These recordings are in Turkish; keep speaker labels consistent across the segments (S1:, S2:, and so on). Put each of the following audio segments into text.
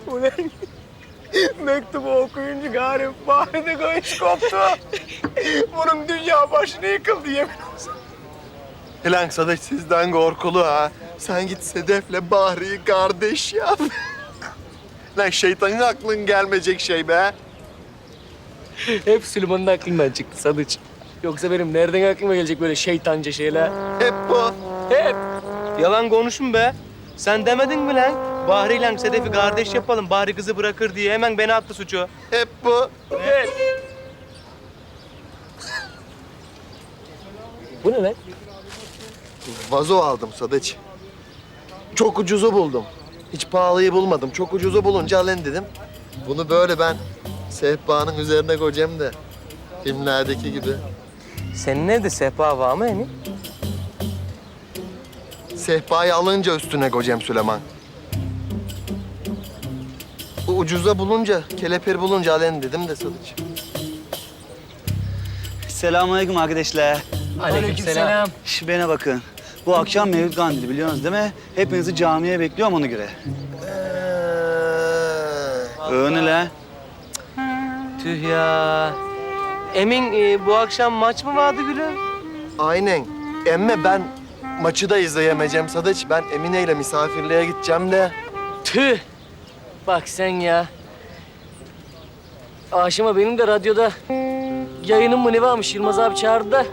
S1: Ulan mektubu okuyunca gari Bahri'de göğüs koptu. Bunun dünya başına yıkıldı yemin olsun.
S2: Lan Sadıç sizden korkulu ha. Sen git Sedef'le Bahri'yi kardeş yap. Lan şeytanın aklın gelmeyecek şey be.
S1: Hep Süleyman'ın aklından çıktı Sadıç. Yoksa benim nereden aklıma gelecek böyle şeytanca şeyler?
S2: Hep bu.
S1: Hep.
S3: Yalan konuşun be. Sen demedin mi lan? Bahri ile Sedef'i kardeş yapalım, Bahri kızı bırakır diye. Hemen beni attı suçu.
S2: Hep bu.
S1: Hep. Bu ne lan?
S2: Vazo aldım Sadıç. Çok ucuzu buldum. Hiç pahalıyı bulmadım. Çok ucuzu bulunca alın dedim. Bunu böyle ben sehpanın üzerine koyacağım da filmlerdeki gibi.
S3: Senin evde sehpa var mı Emin?
S2: Sehpayı alınca üstüne koyacağım Süleyman. Bu ucuza bulunca, kelepir bulunca alın dedim de Sadıç.
S4: Selamünaleyküm arkadaşlar.
S1: Aleykümselam.
S4: Bana bakın. Bu akşam Mevlüt Kandili biliyorsunuz değil mi? Hepinizi camiye bekliyorum ona göre. Öyle la.
S3: Tüh ya. Emin bu akşam maç mı vardı gülüm?
S2: Aynen. Emme ben maçı da izleyemeyeceğim Sadıç. Ben Emine ile misafirliğe gideceğim de.
S1: Tüh. Bak sen ya. Aşıma benim de radyoda yayınım mı ne varmış Yılmaz abi çağırdı da.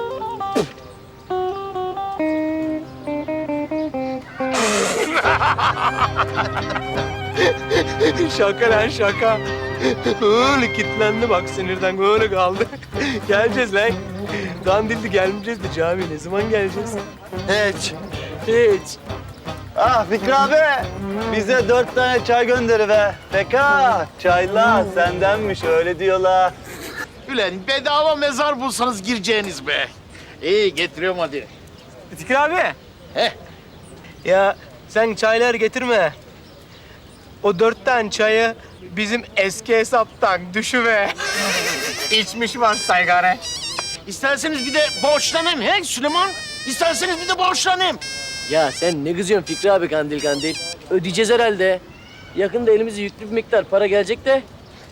S3: Şaka lan şaka. Öyle kilitlendi bak sinirden öyle kaldı. Geleceğiz lan. Kandilli gelmeyeceğiz de cami ne zaman geleceğiz?
S2: Hiç.
S1: Hiç.
S4: Ah Fikri abi. Bize 4 tane çay gönderi be. Peka, çaylar sendenmiş öyle diyorlar.
S5: Ulan bedava mezar bulsanız gireceğiniz be. İyi getiriyorum hadi.
S3: Fikri abi.
S5: Heh.
S3: Ya sen çaylar getirme. O 4 tane çayı bizim eski hesaptan düşüve.
S5: İçmiş var saygare. İsterseniz bir de borçlanayım he Süleyman. İsterseniz bir de borçlanayım.
S1: Ya sen ne kızıyorsun Fikri abi kandil kandil? Ödeyeceğiz herhalde. Yakında elimize yüklü bir miktar para gelecek de.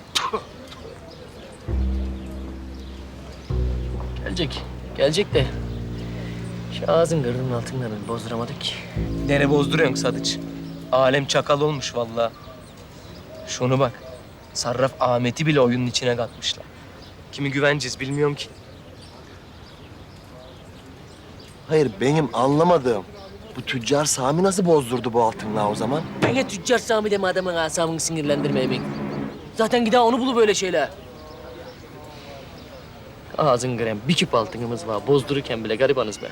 S1: Gelecek. Gelecek de. Şu ağzın gırrının altından bozduramadık ki.
S3: Nere bozduruyorsun Sadıç? Alem çakal olmuş vallahi. Şunu bak. Sarraf Ahmet'i bile oyunun içine katmışlar. Kimi güveneceğiz bilmiyorum ki.
S2: Hayır benim anlamadığım. Bu tüccar Sami nasıl bozdurdu bu altınla o zaman?
S1: Bana tüccar Sami deme adamın asabını sinirlendirme Emin. Zaten gider onu bulu böyle şeyler. Ağzın grem, bir küp altınımız var. Bozdururken bile garibanız be.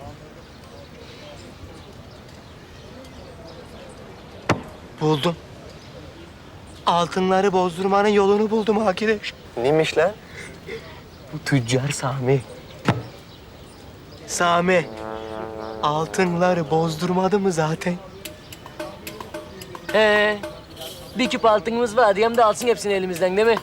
S3: Buldum. Altınları bozdurmanın yolunu buldum arkadaş.
S2: Neymiş lan?
S3: Bu tüccar Sami. Sami. Altınları bozdurmadı mı zaten?
S1: Bir küp altınımız var. Diyem de alsın hepsini elimizden değil mi?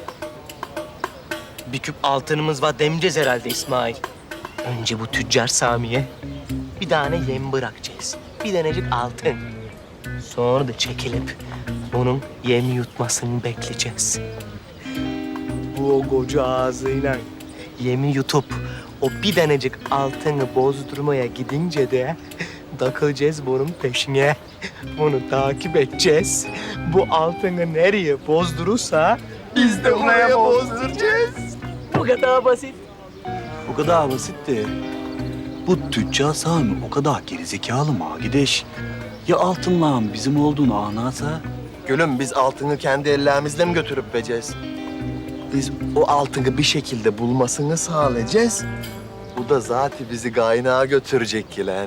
S3: Bir küp altınımız var demeyeceğiz herhalde İsmail. Önce bu tüccar Sami'ye bir tane yem bırakacağız. Bir tanecik altın. Sonra da çekilip bunun yemi yutmasını bekleyeceğiz. Bu o koca ağzıyla yemi yutup o bir tanecik altını bozdurmaya gidince de takılacağız bunun peşine. Bunu takip edeceğiz. Bu altını nereye bozdurursa biz de oraya bozduracağız.
S1: Bu kadar basit.
S4: O kadar basitti. Bu tüccar Sami o kadar gerizekalı mı gideş? Ya altınlağın bizim olduğunu anlarsa?
S2: Gülüm biz altını kendi ellerimizle mi götürüp vereceğiz? Biz o altını bir şekilde bulmasını sağlayacağız. Bu da zaten bizi kaynağa götürecek ki lan.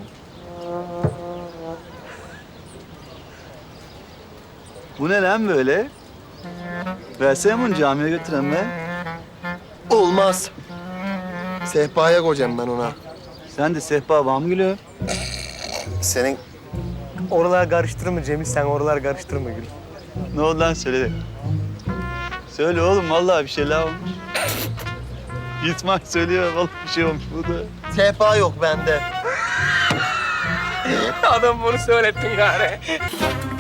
S4: Bu ne lan böyle? Versene bunu camiye götüren be.
S2: Olmaz. Sehpaya koyacağım ben ona.
S4: Sen de sehpa var mı gülüm?
S2: Senin
S3: Oralar karıştırma Cemil, sen oralar karıştırma Gül.
S4: Ne oldu lan söyle. Söyle oğlum vallahi bir şeyler olmuş. İsmail söylüyor vallahi bir şey olmuş burada.
S2: sehpa yok bende.
S3: Adam bunu söylettin gari.